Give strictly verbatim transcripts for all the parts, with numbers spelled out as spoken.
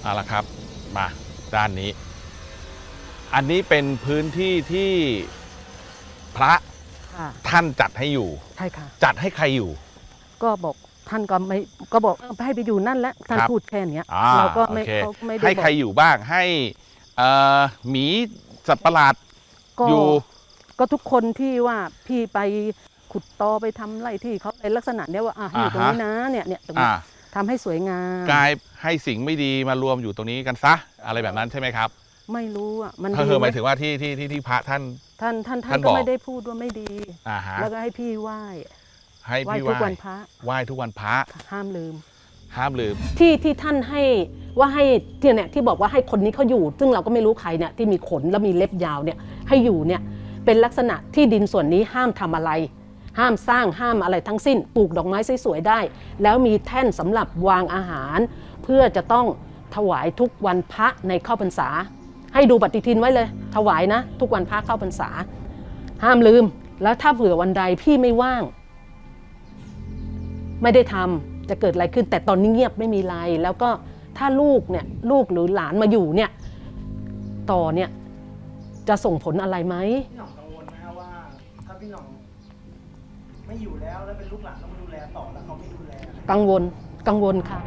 เอาละครับมาด้านนี้อันนี้เป็นพื้นที่ที่พระท่านจัดให้อยู่ใช่ค่ะจัดให้ใครอยู่ก็บอกท่านก็ไม่ก็บอกให้ไปอยู่นั่นแหละท่านพูดแค่นี้เราก็ไม่เขาไม่ได้ให้ใครอยู่บ้างให้หมีสัตว์ประหลาดอยู่ก็ทุกคนที่ว่าพี่ไปขุดตอไปทำไรที่เขาในลักษณะเนี้ยว่าอ่ะอยู่ตรงนี้นะเนี่ยเนี่ยตรงนี้ทำให้สวยงามกลายให้สิ่งไม่ดีมารวมอยู่ตรงนี้กันซะอะไรแบบนั้นใช่ไหมครับไม่รู้อ่ะมันเธอหมายถึงว่าที่ที่ที่ที่พระท่านท่านท่านท่านก็ไม่ได้พูดว่าไม่ดีแล้วก็ให้พี่ไหว้ให้พี่ไหว้ทุกวันพระไหว้ทุกวันพระห้ามลืมห้ามลืมที่ที่ท่านให้ว่าให้เนี่ยที่บอกว่าให้คนนี้เขาอยู่ซึ่งเราก็ไม่รู้ใครเนี่ยที่มีขนแล้วมีเล็บยาวเนี่ยให้อยู่เนี่ยเป็นลักษณะที่ดินส่วนนี้ห้ามทำอะไรห้ามสร้างห้ามอะไรทั้งสิ้นปลูกดอกไม้สวยๆได้แล้วมีแท่นสำหรับวางอาหารเพื่อจะต้องถวายทุกวันพระในเข้าพรรษาให้ดูปฏิทินไว้เลยถวายนะทุกวันพระเข้าพรรษาห้ามลืมแล้วถ้าเผื่อวันใดพี่ไม่ว่างไม่ได้ทำจะเกิดอะไรขึ้นแต่ตอนนี้เงียบไม่มีอะไรแล้วก็ถ้าลูกเนี่ยลูกหรือหลานมาอยู่เนี่ยต่อเนี่ยจะส่งผลอะไรไหมพี่หน่องกังวลไหมครับว่าถ้าพี่หน่องไม่อยู่แล้วแล้วเป็นลูกหลานต้องมาดูแลต่อแล้วเขาไม่ดูแลกังวลกังวลค่ะ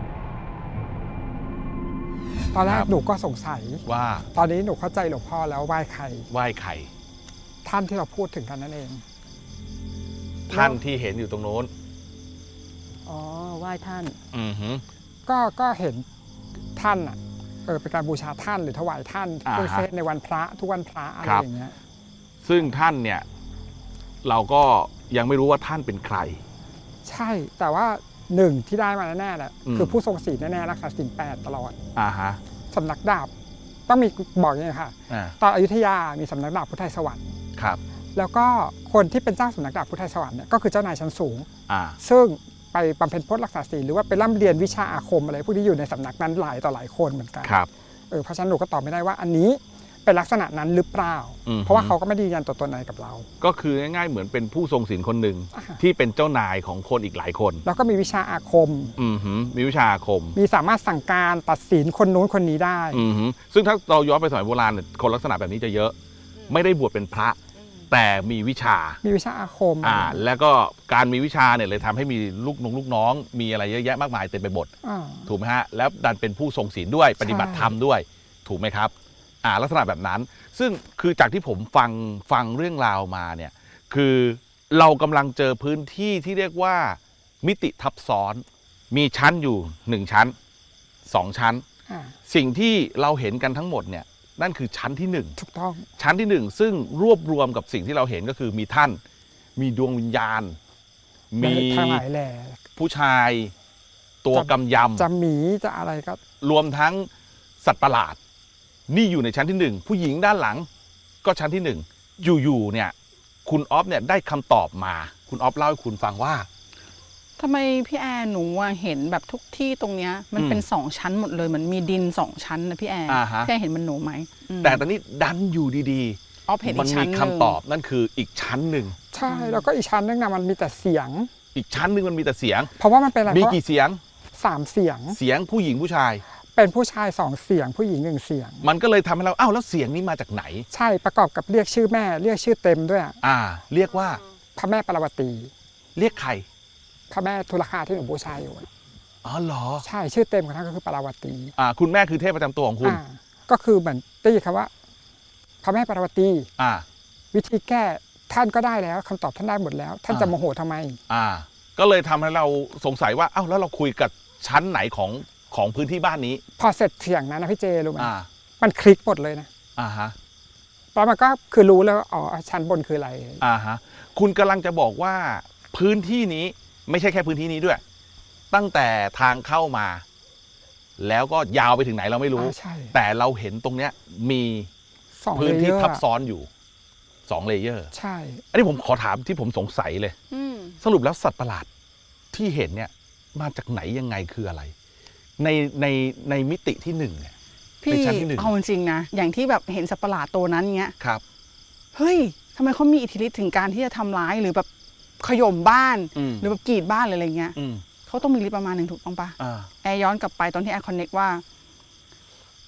ตอนแรกหนูก็สงสัยว่าตอนนี้หนูเข้าใจหลวงพ่อแล้วไหว้ใครไหว้ใครท่านที่เราพูดถึงกันนั่นเองท่านที่เห็นอยู่ตรงโน้นอ๋อไหว้ท่านอือฮึก็ก็เห็นท่านอ่ะเออเป็นการบูชาท่านหรือถวายท่านเครื่องเส้นในวันพระทุกวันพระอะไรอย่างเงี้ยซึ่งท่านเนี่ยเราก็ยังไม่รู้ว่าท่านเป็นใครใช่แต่ว่าหนึ่งที่ได้มาแน่ๆแหละคือผู้ทรงศีลแน่ๆรักษาศีลแปดตลอดอ่าฮะสำนักดาบต้องมีบอกอย่างนี้ค่ะตอนอยุธยามีสำนักดาบพุทธไทยสวรรค์ครับแล้วก็คนที่เป็นเจ้าสำนักดาบพุทธไทยสวรรค์เนี่ยก็คือเจ้านายชั้นสูงอ่าซึ่งไปบำเพ็ญพจน์รักษาศีลหรือว่าไปร่ำเรียนวิชาอาคมอะไรพวกนี้อยู่ในสำนักนั้นหลายต่อหลายคนเหมือนกันครับเออเพราะฉะนั้นหนูก็ตอบไม่ได้ว่าอันนี้เป็นลักษณะนั้นหรือเปล่าเพราะว่าเขาก็ไม่ได้ยืนยันตัวตนอะไรกับเราก็คือง่ายๆเหมือนเป็นผู้ทรงศีลคนหนึ่งที่เป็นเจ้านายของคนอีกหลายคนแล้วก็มีวิชาอาคมอือหือมีวิชาอาคมมีสามารถสั่งการตัดสินคนนู้นคนนี้ได้อือหือซึ่งถ้าเราย้อนไปสมัยโบราณเนี่ยคนลักษณะแบบนี้จะเยอะไม่ได้บวชเป็นพระแต่มีวิชามีวิชาอาคมอ่าแล้วก็การมีวิชาเนี่ยเลยทำให้มีลูกน้องลูกน้องมีอะไรเยอะแยะมากมายเต็มไปหมดถูกไหมฮะแล้วดันเป็นผู้ทรงศีลด้วยปฏิบัติธรรมด้วยถูกไหมครับอ่าลักษณะแบบนั้นซึ่งคือจากที่ผมฟังฟังเรื่องราวมาเนี่ยคือเรากำลังเจอพื้นที่ที่เรียกว่ามิติทับซ้อนมีชั้นอยู่หนึ่งชั้นสองชั้นสิ่งที่เราเห็นกันทั้งหมดเนี่ยนั่นคือชั้นที่หนึ่งถูกต้องชั้นที่หนึ่งซึ่งรวบรวมกับสิ่งที่เราเห็นก็คือมีท่านมีดวงวิญญาณมีทั้งหลายแหล่ผู้ชายตัวกำยำจะหมีจะอะไรก็รวมทั้งสัตว์ประหลาดนี่อยู่ในชั้นที่หนึ่งผู้หญิงด้านหลังก็ชั้นที่หนึ่งอยู่ๆเนี่ยคุณออฟเนี่ยได้คำตอบมาคุณออฟเล่าให้คุณฟังว่าทำไมพี่แอร์หนูเห็นแบบทุกที่ตรงเนี้ยมันเป็นสองชั้นหมดเลยมันมีดินสองชั้นนะพี่แอร์พี่แอร์เห็นมันหนูไหมแต่ตอนนี้ดันอยู่ดีๆออฟเห็นอีกชั้นนึงมันมีคำตอบนั่นคืออีกชั้นหนึ่งใช่แล้วก็อีกชั้นนึงนะมันมีแต่เสียงอีกชั้นหนึ่งมันมีแต่เสียงเพราะว่ามันเป็นอะไรมีกี่เสียงสามเสียงเสียงผู้หญิงผู้ชายเป็นผู้ชายสองเสียงผู้หญิงหนึ่งเสียงมันก็เลยทำให้เราอ้าวแล้วเสียงนี้มาจากไหนใช่ประกอบกับเรียกชื่อแม่เรียกชื่อเต็มด้วยอ่าเรียกว่าพระแม่ปารวตีเรียกใครพระแม่ทุลคาที่หนูบูชาอยู่อ๋อเหรอใช่ชื่อเต็มของท่านก็คือปารวตีอ่าคุณแม่คือเทพประจำตัวของคุณก็คือเหมือนได้ยินคำว่าพระแม่ปารวตีอ่าวิธีแก้ท่านก็ได้แล้วคำตอบท่านได้หมดแล้วท่านจะโมโหทำไมอ่าก็เลยทำให้เราสงสัยว่าอ้าวแล้วเราคุยกับชั้นไหนของของพื้นที่บ้านนี้พอเสร็จเสียงนั้นนะพี่เจรู้ไหมอ่ามันคลิกหมดเลยนะอ่าฮะตอนมันก็คือรู้แล้วอ๋อชั้นบนคืออะไรอ่าฮะคุณกำลังจะบอกว่าพื้นที่นี้ไม่ใช่แค่พื้นที่นี้ด้วยตั้งแต่ทางเข้ามาแล้วก็ยาวไปถึงไหนเราไม่รู้แต่เราเห็นตรงเนี้ยมีพื้นที่ทับซ้อนอยู่สองเลเยอร์ใช่อันนี้ผมขอถามที่ผมสงสัยเลยสรุปแล้วสัตว์ประหลาดที่เห็นเนี่ยมาจากไหนยังไงคืออะไรในในในมิติที่หนึ่งเนี่ยพี่เอาจริงนะอย่างที่แบบเห็นสัตว์ประหลาดตัวนั้นเงี้ยครับเฮ้ยทำไมเขามีอิทธิฤทธิ์ถึงการที่จะทำร้ายหรือแบบขย่มบ้านหรือแบบกรีดบ้านอะไรเงี้ยเขาต้องมีฤทธิ์ประมาณหนึ่งถูกต้องปะแอร์ย้อนกลับไปตอนที่แอร์คอนเน็กว่า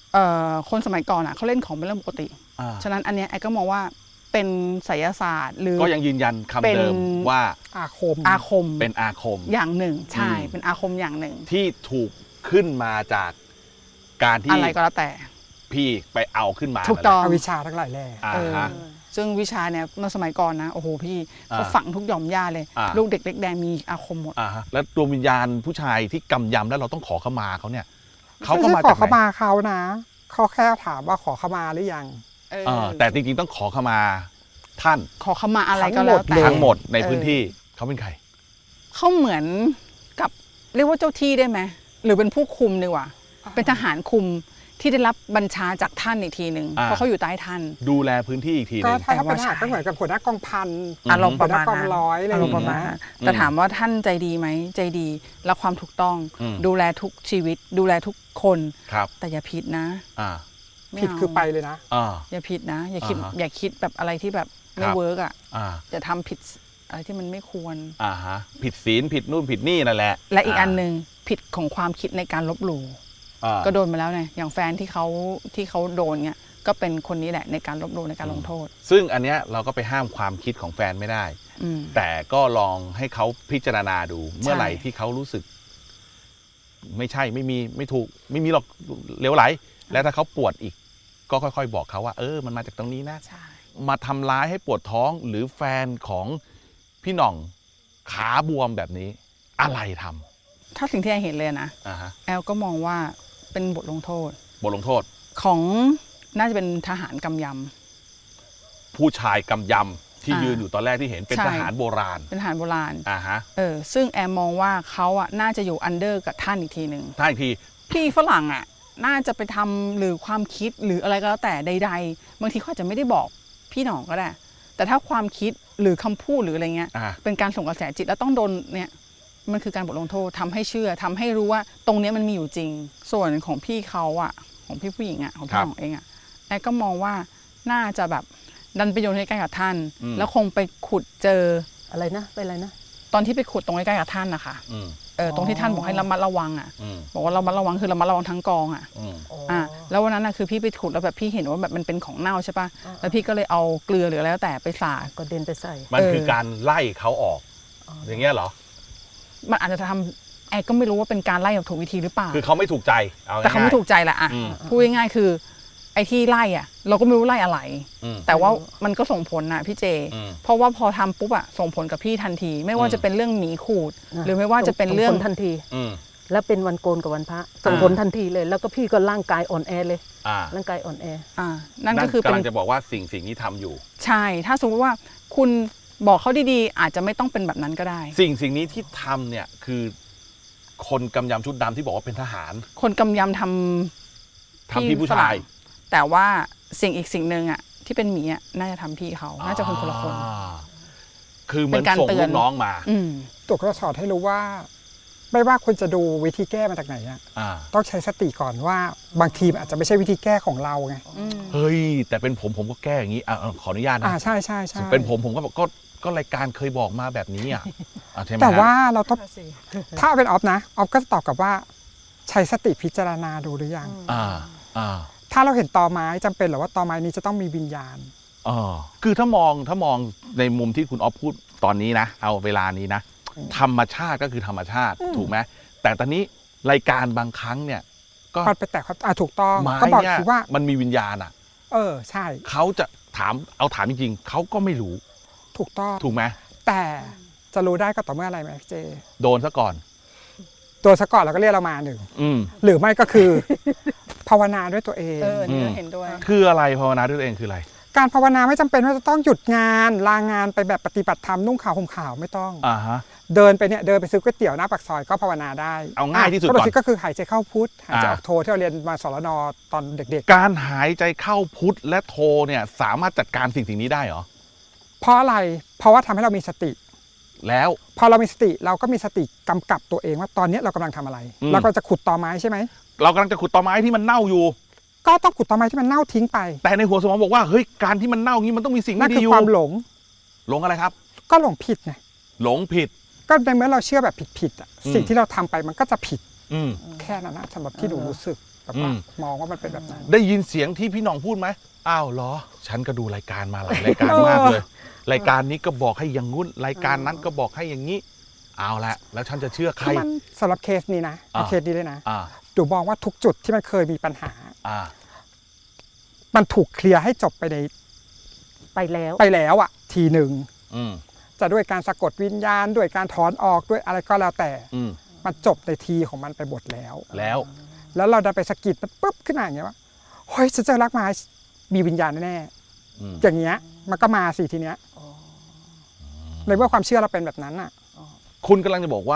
เอ่อคนสมัยก่อนอ่ะเขาเล่นของเป็นเรื่องปกติอ่าฉะนั้นอันเนี้ยแอร์ก็มองว่าเป็นไสยศาสตร์หรือก็ยังยืนยันคำเป็นเดิมว่าอาคมอาคมเป็นอาคมอย่างหนึ่งใช่อืมเป็นอาคมอย่างหนึ่งที่ถูกขึ้นมาจากการที่อะไรก็แล้วแต่พี่ไปเอาขึ้นมาถูกต้องอวิชชาทั้งหลายแหล่อ่าเออฮะซึ่งวิชาเนี่ยเมื่อสมัยก่อนนะโอ้โหพี่อ่าเขาฝังทุกหย่อมย่าเลยอ่าลูกเด็กเล็กแดงมีอาคมหมดอ่าฮะแล้วดวงวิญญาณผู้ชายที่กำยำแล้วเราต้องขอขมาเขาเนี่ยเขาก็ไม่มาใช่ขอจากเข้าไหนมาเขานะเขาแค่ถามว่าขอเข้ามาหรือยังเออเออแต่จริงๆต้องขอขมาท่านขอขมาอะไรก็แล้วแต่ทั้งหมดในเออพื้นที่เขาเป็นใครเขาเหมือนกับเรียกว่าเจ้าที่ได้ไหมหรือเป็นผู้คุมดีกว่า เป็นทหารคุมที่ได้รับบัญชาจากท่านอีกทีหนึ่งอ่าเพราะเขาอยู่ใต้ท่านดูแลพื้นที่อีกทีหก็นึงถ้าเขาเป็นทแต่ว่าหารก็เหมือนกับหัวหน้ากองพันมอารมณ์ประมาณหัวหน้ากองนั้นร้อยอะไรออารย่าม งณ์ประมาณเงี้ยนั้นแต่ถามว่าท่านใจดีไหมใจดีและความถูกต้องอืมดูแลทุกชีวิต ดูแลทุกคนครับแต่อย่าผิดนะอ่าไม่ผิดเาคือไปเลยนะอ่าอย่าผิดนะ อย่าคิดอ่าฮะอย่าคิดแบบอะไรที่แบบไม่ครับเวิร์กอ่ะอ่าอย่าทำผิดอะไรที่มันไม่ควรอ่าฮะผิดศีลผิดนู่นผิดนี่นั่นแหละและอีกอันหนึ่งผิดของความคิดในการลบหลู่อ่าก็โดนมาแล้วไงอย่างแฟนที่เขาที่เขาโดนเนี่ยก็เป็นคนนี้แหละในการลบหลู่ในการลงโทษซึ่งอันเนี้ยเราก็ไปห้ามความคิดของแฟนไม่ได้อืมแต่ก็ลองให้เขาพิจารณาดู เมื่อไหร่ที่เขารู้สึก ไม่ใช่ไม่มีไม่ถูก ไม่มีหรอกเลวไหล แล้วถ้าเขาปวดอีก ก็ค่อยๆ บอกเขาว่า เออมันมาจากตรงนี้นะใช่มาทำร้ายให้ปวดท้องหรือแฟนของพี่หน่องขาบวมแบบนี้ อะไรทำถ้าสิ่งที่แอลเห็นเลยนะอ่าฮะแอลก็มองว่าเป็นบทลงโทษบทลงโทษของน่าจะเป็นทหารกำยผู้ชายกำยำที่อ่ายืยืนอยู่ตอนแรกที่เห็นเป็นใช่ทหารโบราณำเป็นทหารโบราณอ่าฮะเออซึ่งแอลมองว่าเขาอ่ะน่าจะอยู่อันเดอร์กับท่านอีกทีหนึ่งถ้าอีกทีพี่ฝรั่งอ่ะน่าจะไปทำหรือความคิดหรืออะไรก็แล้วแต่ใดๆบางทีเขาอาจจะไม่ได้บอกพี่หน่องก็ได้ แต่ถ้าความคิดหรือคำพูดหรืออะไรเงี้ยอ่าเป็นการส่งกระแสจิตแล้วต้องโดนเนี่ยมันคือการบทลงโทษทำให้เชื่อทำให้รู้ว่าตรงเนี้ยมันมีอยู่จริง ส่วนของพี่เขาอ่ะของพี่ผู้หญิงอ่ะของพี่หน่องเองอ่ะแอลก็มองว่าน่าจะแบบดันไปโยนใกล้ๆกับท่านอืมแล้วคงไปขุดเจออะไรนะเป็นอะไรนะตอนที่ไปขุดตรงใกล้ๆกับท่านนะคะอืมเออตรงที่ท่านบอกให้ระมัดระวังอ่ะอืมบอกว่าระมัดระวังคือระมัดระวังทั้งกองอ่ะอืมอ่ะแล้ววันนั้นนะคือพี่ไปขุดแล้วแบบพี่เห็นว่าแบบมันเป็นของเน่าใช่ปะแล้วพี่ก็เลยเอาเกลือหรืออะไรแล้วแต่ไปสาดก็เดินไปใส่มันเออคือการไล่เขาออก อย่างเงี้ยเหรอมันอาจจะทำแอร์ก็ไม่รู้ว่าเป็นการไล่แบบถูกวิธีหรือเปล่าคือเขาไม่ถูกใจเอาง่ายๆแต่เขาไม่ถูกใจแหละอ่ะอืมพูดง่ายๆคือ ไอ้ที่ไล่อ่ะ เราก็ไม่รู้ไล่อะไรอืมแต่ว่ามันก็ส่งผลนะพี่เจอืมเพราะว่าพอทำปุ๊บอ่ะส่งผลกับพี่ทันที ไม่ว่าอืมจะเป็นเรื่องหมีขูดอ่ะหรือไม่ว่าจะเป็นเรื่องส่ผลทันทีอืมแล้วเป็นวันโกนกับวันพระส่งผลทันทีเลย แล้วก็พี่ก็ร่างกายอ่อนแอเลยอ่าร่างกายอ่อนแออ่านั่นก็คือเป็นกำลังจะบอกว่าสิ่งสิ่งนี้ทำอยู่ใช่ ถ้าสมมติว่าคุณบอกเขาดีๆ อาจจะไม่ต้องเป็นแบบนั้นก็ได้สิ่งสิ่งนี้ที่ทำเนี่ยคือ คนกำยำชุดดำที่บอกว่าเป็นทหารคนกำยำทำทำพี่ผู้ชายฝรั่งแต่ว่าสิ่งอีกสิ่งหนึ่งอ่ะที่เป็นหมีอ่ะน่าจะทำพี่เขา น่าจะเป็นคนละคนอ่าคือเหมือนเป็นการส่งเตืลูอนกน้องมาอืมตัวก็สอนให้รู้ว่า ไม่ว่าคุณจะดูวิธีแก้มาจากไหนอะอ่าต้องใช้สติก่อนว่าบางทีมันอาจจะไม่ใช่วิธีแก้ของเราไงเฮ้ย แต่เป็นผมผมก็แก้อย่างนี้อ่ะอ่ะขออนุญาตอ่านะใช่ใช่ใช่เป็นผมผมก็บอกก็ก็รายการเคยบอกมาแบบนี้อ่ะอ่ะใช่ไหมแต่ฮะว่าเราต้องถ้าเป็นออฟนะออฟก็จะตอบกลับว่าใช้สติพิจารณาดูหรือยังอ่าอ่าถ้าเราเห็นตอไม้จำเป็นเหรือว่าตอไม้นี้จะต้องมีวิญญาณอ๋อคือถ้ามองถ้ามองในมุมที่คุณออฟพูดตอนนี้นะ เอาเวลานี้นะ ธรรมชาติก็คือธรรมชาติอืมถูกไหมแต่ตอนนี้รายการบางครั้งเนี่ย ก็มันไปแตะครับอ่าถูกต้องไม้ก็บอกเนี่ยทีว่ามันมีวิญญาณอ่ะเออใช่เขาจะถามเอาถามจริงๆเขาก็ไม่รู้ถูกต้องถูกไหมแต่จะรู้ได้ก็ต่อเมื่ออะไรไหมพี่เจโดนซะก่อนตัวสะก่อนเราก็เรียกเรามาหนึ่งอืมหรือไม่ก็คือ ภาวนาด้วยตัวเองเออนี่อืก็มเห็นด้วยคืออะไรภาวนาด้วยตัวเองคืออะไรการภาวนาไม่จำเป็นว่าจะต้องหยุดงานลางานไปแบบปฏิบัติธรรมนุ่งขาวห่มขาวไม่ต้องอ่าฮะเดินไปเนี่ยเดินไปซื้อก๋วยเตี๋ยวหน้าปากซอยก็ภาวนาได้เอาง่ายที่สุดก่อนปกติก็คือหายใจเข้าพุทหายใจอ่าออกโทที่เราเรียนมาสรนตอนเด็กการหายใจเข้าพุทธและโทเนี่ยสามารถจัดการสิ่งสิ่งนี้ได้เหรอๆ เพราะอะไรเพราะว่าทำให้เรามีสติแล้วพอเรามีสติเราก็มีสติกำกับตัวเองว่าตอนนี้เรากำลังทำอะไรอืมเราก็จะขุดตอไม้ใช่ไหมเรากำลังจะขุดตอไม้ที่มันเน่าอยู่ก็ต้องขุดตอไม้ที่มันเน่าทิ้งไปแต่ในหัวสมองบอกว่าเฮ้ยการที่มันเน่างี้มันต้องมีสิ่งนั่ไม่นดีคืออยู่ความหลงหลงอะไรครับก็หลงผิดไงหลงผิดก็ในเมื่อเราเชื่อแบบผิดๆอ่ะอืมสิ่งที่เราทำไปมันก็จะผิดอืมแค่นั้นนะสำหรับที่หนูรู้สึกแบบว่ามองว่ามันเป็นแบบนั้นได้ยินเสียงที่พี่หน่องพูดไหมอ้าวเหรอฉันก็ดูรายการมาหลายรายการมากเลย รายการนี้ก็บอกให้อย่างงุ้นรายการนั้นก็บอกให้อย่างนี้เอาละแล้วฉันจะเชื่อใครคือมันสำหรับเคสนี้นะอ่าเคสนี้เลยนะอ่าดูมองว่าทุกจุดที่มันเคยมีปัญหาอ่ามันถูกเคลียร์ให้จบไปในไปแล้วไปแล้วอ่ะทีหนึ่งอืมจะด้วยการสะกดวิญญาณด้วยการถอนออกด้วยอะไรก็แล้วแต่อืมมันจบในทีของมันไปหมดแล้วแล้วแล้วเราดันไปสะกิดมันปุ๊บขึ้นมาอย่างเงี้ยว่าเฮ้ยฉันเจอรักไม้มีวิญญาณแน่อืมๆอย่างเงี้ยมันก็มาสิทีเนี้ยในเมื่อความเชื่อเราเป็นแบบนั้นอ่ะคุณกำลังจะบอกว่า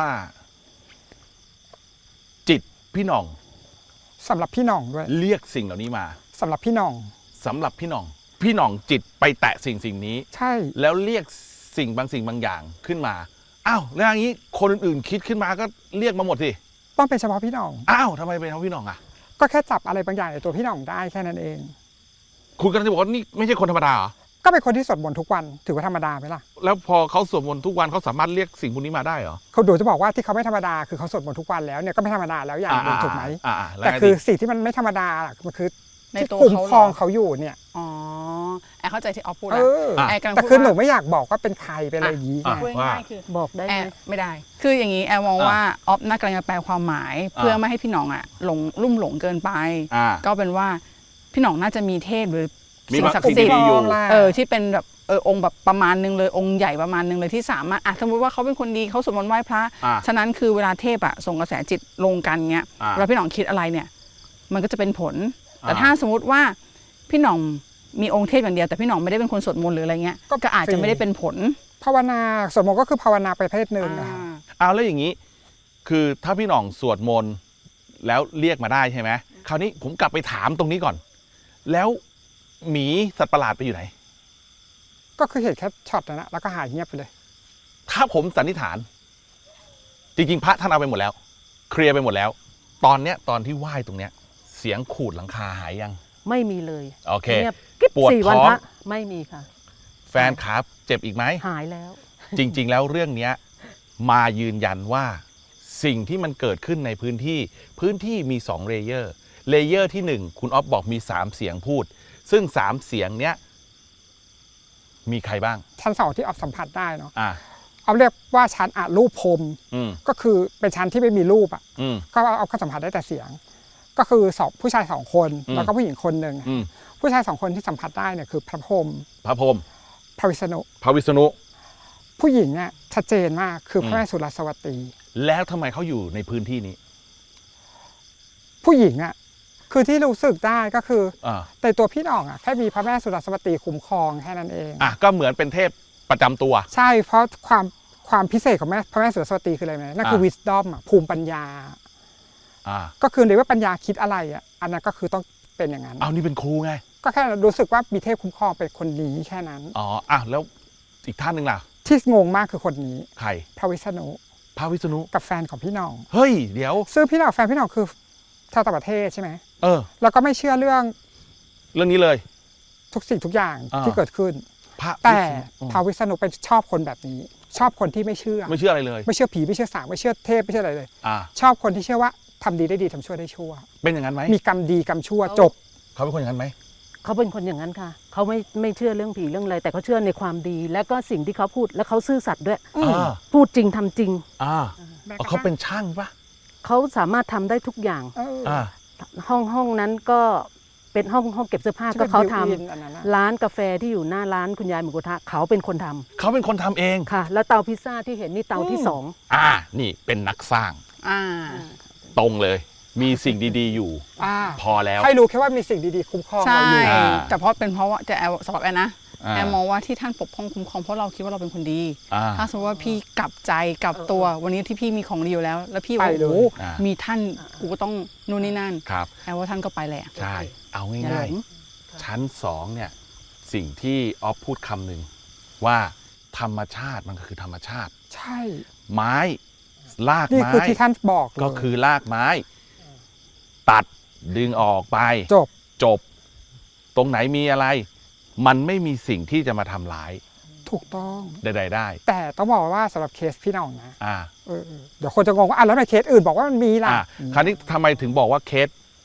จิตพี่หน่องสำหรับพี่หน่องด้วยเรียกสิ่งเหล่านี้มาสำหรับพี่หน่องสำหรับพี่หน่อง พี่หน่องจิตไปแตะสิ่งสิ่งนี้ใช่แล้วเรียกสิ่งบางสิ่งบางอย่างขึ้นมาอ้าวแล้วอย่างนี้คนอื่นๆคิดขึ้นมาก็เรียกมาหมดสิต้องเป็นเฉพาะพี่หน่องอ้าวทำไมเป็นเพราะพี่หน่องอ่ะก็แค่จับอะไรบางอย่างในตัวพี่หน่องได้แค่นั้นเองคุณกำลังจะบอกว่านี่ไม่ใช่คนธรรมดาเหรอก็เป็นคนที่สวดมนต์ทุกวันถือว่าธรรมดาไหมล่ะแล้วพอเขาสวดมนต์ทุกวันเขาสามารถเรียกสิ่งพวกนี้มาได้เหรอเขาดูจะบอกว่าที่เขาไม่ธรรมดาคือเขาสวดมนต์ทุกวันแล้วเนี่ยก็ไม่ธรรมดาแล้วอย่างหนึงถูกไหมอ่าอ่าแล้วแต่ไงคือดีสิ่งที่มันไม่ธรรมดาล่ะมันคือในที่ตัวคุ้มเขาครองเหรอเขาอยู่เนี่ยอ๋อแอร์เข้าใจที่ออฟพูดเอแล้วอแอร์กำลังแต่พูดคือหนูว่าไม่อยากบอกว่าเป็นใครเป็นอะไรอย่างนี้ไงพูดง่ายๆคือบอกได้แอไหมร์ไม่ได้ คืออย่างนี้แอร์มองว่าออฟน่ากำลังจะแปลความหมาย เพื่อไม่ให้พี่หน่องอ่ะหลงลุ่มหลงเกินไปอ่าก็เป็นว่าพี่หน่องน่าจะมีเทพหรือมีสิ่งบางศักดิ์สิ่งสิทธิ์ดีๆอยู่เออที่เป็นแบบเออองค์แบบประมาณนึงเลยองค์ใหญ่ประมาณนึงเลยที่สามารถอ่ะสมมติว่าเขาเป็นคนดีเขาสวดมนต์ไหว้พระอ่าฉะนั้นคือเวลาเทพอะส่งกระแสจิตลงกันเงี้ยอ่าเวลาพี่หน่องคิดอะไรเนี่ย มันก็จะเป็นผล แต่อ่าถ้าสมมติว่าพี่หน่องมีองค์เทพอย่างเดียวแต่พี่หน่องไม่ได้เป็นคนสวดมนต์หรืออะไรเงี้ยก็ก็อาจจะไม่ได้เป็นผลภาวนาสวดมนต์ก็คือภาวนาประเภทหนึ่งอะค่ะเอาแล้วอย่างนี้ คือถ้าพี่หน่องสวดมนต์แล้วเรียกมาได้ใช่ไหมคราวนี้ผมกลับไปถามตรงนี้ก่อน แล้วหมีสัตว์ประหลาดไปอยู่ไหนก็คือเห็นแค่ช็อตนั้นนะแล้วก็หายเงียบไปเลยถ้าผมสันนิษฐาน จริงๆ พระท่านเอาไปหมดแล้ว เคลียร์ไปหมดแล้ว ตอนเนี้ยตอนที่ไหว้ตรงเนี้ย เสียงขูดหลังคาหายยังไม่มีเลยโอเคเงียบกิ๊บปวดสี่วันท้องพระไม่มีค่ะแฟนขาเจ็บอีกไหมหายแล้วจริง ๆ แล้วเรื่องเนี้ยมายืนยันว่าสิ่งที่มันเกิดขึ้นในพื้นที่พื้นที่มีสองเลเยอร์เลเยอร์ที่หนึ่งคุณอ๊อฟบอกมีสามเสียงพูด ซึ่งสามเสียงเนี้ยมีใครบ้างชั้นสองที่ออฟสัมผัสได้เนาะอ่าเอาเรียกว่าชั้นอะรูปพรมอืมก็คือเป็นชั้นที่ไม่มีรูปอ่ะอืมก็เอาก็สัมผัสได้แต่เสียง ก็คือสองผู้ชายสองคนอืมแล้วก็ผู้หญิงคนหนึ่งอืมผู้ชายสองคนที่สัมผัสได้เนี่ยคือพระพรหมพระพรหมพระวิษณุพระวิษณุผู้หญิงเนี่ยชัดเจนมากคือพอืระมแม่สุรสวตีแล้วทำไมเขาอยู่ในพื้นที่นี้ผู้หญิงอ่ะคือที่รู้สึกได้ก็คืออ่าแต่ตัวพี่น้องอ่ะแค่มีพระแม่สุรสวตีคุ้มครองแค่นั้นเองอ่ะก็เหมือนเป็นเทพประจำตัวใช่เพราะความความพิเศษของแม่พระแม่สุรสวตีคืออะไรไหมนั่นคืออ่า wisdom อ่ะภูมิปัญญาอ่าก็คือในว่าปัญญาคิดอะไรอ่ะอันนั้นก็คือต้องเป็นอย่างนั้นเอานี่เป็นครูไงก็แค่รู้สึกว่ามีเทพคุ้มครองเป็นคนนี้แค่นั้นอ๋ออ่ะแล้วอีกท่านหนึ่งล่ะที่งงมากคือคนนี้ใครพระวิษณุพระวิษณุกับแฟนของพี่น้องเฮ้ยเดี๋ยวซึ่งพี่น้องแฟนพี่น้องคือชาวต่างประเทศใช่ไหมเออแล้วก็ไม่เชื่อเรื่องเรื่องนี้เลยทุกสิ่งทุกอย่างอ่าที่เกิดขึ้นพระแต่วิษณุอืมพระวิษณุเป็นชอบคนแบบนี้ ชอบคนที่ไม่เชื่อไม่เชื่ออะไรเลยไม่เชื่อผีไม่เชื่อสางไม่เชื่อเทพไม่เชื่ออะไรเลยอ่าชอบคนที่เชื่อว่าทำดีได้ดีทำชั่วได้ชั่วเป็นอย่างนั้นไหมมีกรรมดีกรรมชั่วจบเขาเป็นคนอย่างนั้นไหมเขาเป็นคนอย่างนั้นค่ะ เขาไม่ไม่เชื่อเรื่องผีเรื่องอะไร แต่เขาเชื่อในความดี และก็สิ่งที่เขาพูด และเขาซื่อสัตย์ด้วยอ่าพูดจริงทำจริงอ่าเอาเขาเป็นช่างปะเขาสามารถทำได้ทุกอย่างเอออ่าห้องห้องนั้นก็เป็นห้องห้องเก็บเสื้อผ้าที่ก็เป็นเขาทำ built-in อันนั้นน่ะร้านกาแฟที่อยู่หน้าร้านคุณยายหมูกระทะเขาเป็นคนทำเขาเป็นคนทำเองค่ะ แล้วเตาพิซซ่าที่เห็นนี่เตาที่สองอ่า นี่เป็นนักสร้างอ่าตรงเลย มีสิ่งดีๆอยู่อ่าพอแล้วให้รู้แค่ว่ามีสิ่งดีๆคุ้มครองใช่เราอยู่อ่าแต่เพราะเป็นเพราะว่าจะแอลสำหรับแอนนะอ่าแอนมองว่าที่ท่านปกป้องคุ้มครองเพราะเราคิดว่าเราเป็นคนดีอ่าถ้าสมมติว่าพี่กลับใจกลับตัววันนี้ที่พี่มีของดีอยู่แล้ว แล้วพี่ว่าไปเลยโอ้โหอ่ามีท่านกูก็ต้องนู่นนี่นั่นครับแอนว่าท่านก็ไปแหละใช่ เอาอย่าหลง่ายงๆ ชั้นสองเนี่ย สิ่งที่ออฟพูดคำหนึ่งว่าธรรมชาติมันก็คือธรรมชาติใช่ไม้ลากนี่ไม้คือที่ท่านบอกเลยก็คือลากไม้ ตัดดึงออกไปจบจบ ตรงไหนมีอะไร มันไม่มีสิ่งที่จะมาทำร้ายถูกต้องใดๆได้แต่ต้องบอกว่าสำหรับเคสพี่น้องนะอ่าเออเดี๋ยวคนจะงงว่าอ่ะแล้วทำไมเคสอื่นบอกว่ามันมีล่ะอ่าคราวนี้ทำไมถึงบอกว่าเคส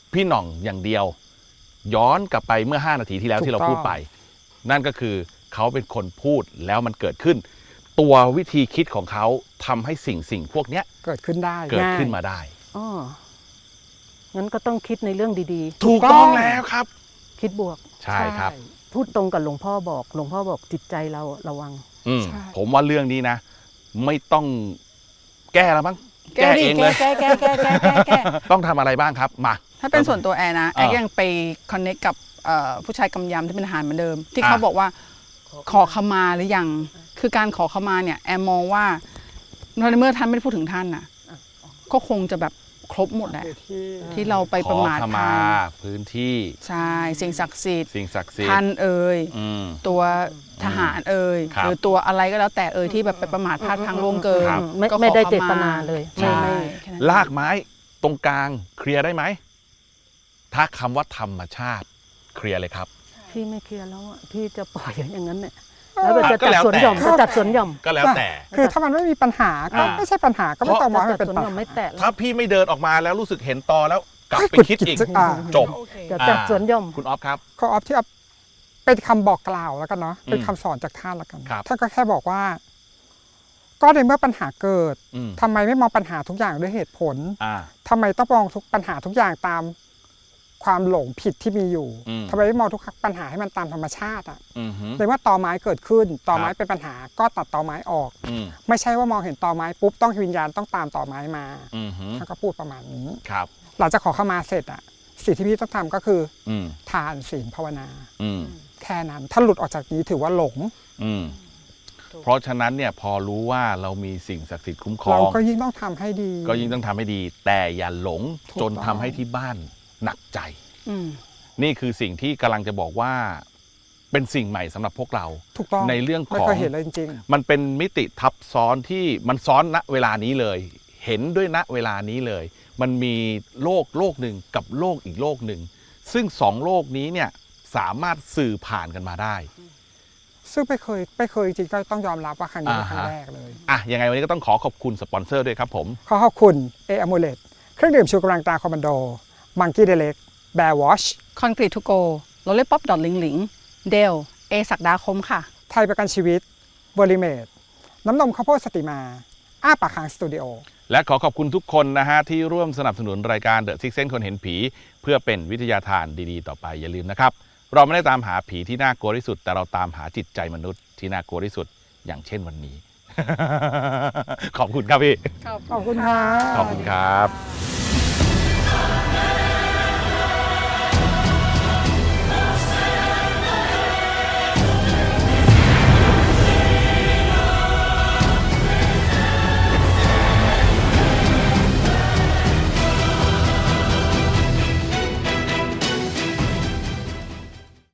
พี่หน่องอย่างเดียว ย้อนกลับไปเมื่อห้านาทีที่แล้วถูกที่เราต้องพูดไป นั่นก็คือเขาเป็นคนพูดแล้วมันเกิดขึ้น ตัววิธีคิดของเขาทำให้สิ่งสิ่งพวกเนี้ยเกิดขึ้นได้เกิดง่ายขึ้นมาได้อ๋องั้นก็ต้องคิดในเรื่องดีถูกต้องแล้วครับๆ คิดบวกใช่ครับพูดตรงกับหลวงพ่อบอก หลวงพ่อบอกจิตใจเราระวังอืมใช่ผมว่าเรื่องนี้นะ ไม่ต้องแก้แล้วมั้งแก้ดิเองเลยแก้แก้แก้แก้แก้แก้ต้องทำอะไรบ้างครับมาถ้าเป็นส่วนตัวแอร์นะแอร์อ่ายังไปคอนเน c กับเอ่อผู้ชายกำยำที่เป็นทหารเหมือนเดิม ที่อ่าเขาบอกว่าขอขมาหรือยัง คือการขอขมาเนี่ยแอร์มองว่าในเมื่อท่านไม่ได้พูดถึงท่านน่ะก็คงจะแบบครบหมดแหละที่ที่เราไปขประอมาทขท่ามาน พื้นที่ใช่สิ่งศักดิ์สิทธิ์สิ่งศักดิ์สิทธิ์ท่านเอ่ยอืมตัวทหารเอ่ยครับหรือตัวอะไรก็แล้วแต่เอ่ยที่แบบไปประมาทพลาดพลังล่วงเกินครับไม่ก็ขอไม่ได้ขเจตนาเลยใช่ไม่ไม่แค่นั้นลากไม้ตรงกลางเคลียร์ได้ไหม ถ้าคำว่าธรรมชาติเคลียร์เลยครับพี่ไม่เคลียร์แล้วอ่ะพี่จะปล่อยอย่างนั้นเนี่ยแล้วจะก็จัดแล้วสวนแต่หย่อมจะจัดสวนหย่อมก็แล้วแต่คือถ้ามันไม่มีปัญหาก็อ่าไม่ใช่ปัญหาก็ไม่ต้องมองให้จะมันจัดเป็นสวนปัญหย่อมหาไม่แตะแล้วถ้าพี่ไม่เดินออกมาแล้วรู้สึกเห็นตอแล้วกลับไปคิดอีกอ่าจบจะจัดสวนหย่อมคุณออฟครับข้อออฟที่เอาเป็นคำบอกกล่าวแล้วกันเนาะเป็นอืมคำสอนจากท่านแล้วกันครับท่านก็แค่บอกว่า ก็ในเมื่อปัญหาเกิดอืมทำไมไม่มองปัญหาทุกอย่างด้วยเหตุผลอ่าทำไมต้องมองทุกปัญหาทุกอย่างตามความหลงผิดที่มีอยู่อืมทำไมไม่มองทุกปัญหาให้มันตามธรรมชาติอ่ะอืมฮึในเมื่อตอไม้เกิดขึ้นตอไม้ครับเป็นปัญหาก็ตัดตอไม้ออกอืมไม่ใช่ว่ามองเห็นตอไม้ปุ๊บต้องวิญญาณต้องตามตอไม้มาอืมฮึท่านก็พูดประมาณนี้ครับหลังจากขอเข้ามาเสร็จอ่ะสิ่งที่พี่ต้องทำก็คืออืมทานศีลภาวนาอืมแค่นั้นถ้าหลุดออกจากนี้ถือว่าหลงอืม เพราะฉะนั้นเนี่ยพอรู้ว่าเรามีสิ่งศักดิ์สิทธิ์คุ้มครอเรางก็ยิ่งต้องทำให้ดีก็ยิ่งต้องทำให้ดี แต่อย่าหลงถูกจนต้องทำให้ที่บ้านหนักใจอืมนี่คือสิ่งที่กำลังจะบอกว่า เป็นสิ่งใหม่สำหรับพวกเราถูกต้องในเรื่องของไม่เคยเห็นเลยจริงมันเป็นมิติทับซ้อนที่มันซ้อนณเวลานี้เลย เห็นด้วยณเวลานี้เลย มันมีโลกโลกหนึ่งกับโลกอีกโลกหนึ่ง ซึ่งสองโลกนี้เนี่ยสามารถสื่อผ่านกันมาได้ๆ ซึ่งไม่เคยไม่เคยจริงๆก็ต้องยอมรับว่าครั้งนี้เป็นครั้งอ่าฮะแรกเลยอ่ะยังไงวันนี้ก็ต้องขอขอบคุณสปอนเซอร์ด้วยครับผมขอขอบคุณเออ m มูเลตเครื่องดื่มชูกำลังตาคอมมานโดมังกี้เดเล็กแบร์วอชคอนกรีตทูโกโรลเล่ป๊อปดอทลิงหลิงเดลเอศักดาคมค่ะไทยประกันชีวิตบริเมดน้ำนมข้าวโพดสติมา อ้าปากค้างสตูดิโอและขอขอบคุณทุกคนนะฮะที่ร่วมสนับสนุนรายการ The Six Sense คนเห็นผี เพื่อเป็นวิทยาทานดีๆ ต่อไปอย่าลืมนะครับ เราไม่ได้ตามหาผีที่น่ากลัวที่สุด แต่เราตามหาจิตใจมนุษย์ที่น่ากลัวที่สุดอย่างเช่นวันนี้ ขอบคุณครับพี่ขอบคุณค่ะขอบคุณครับ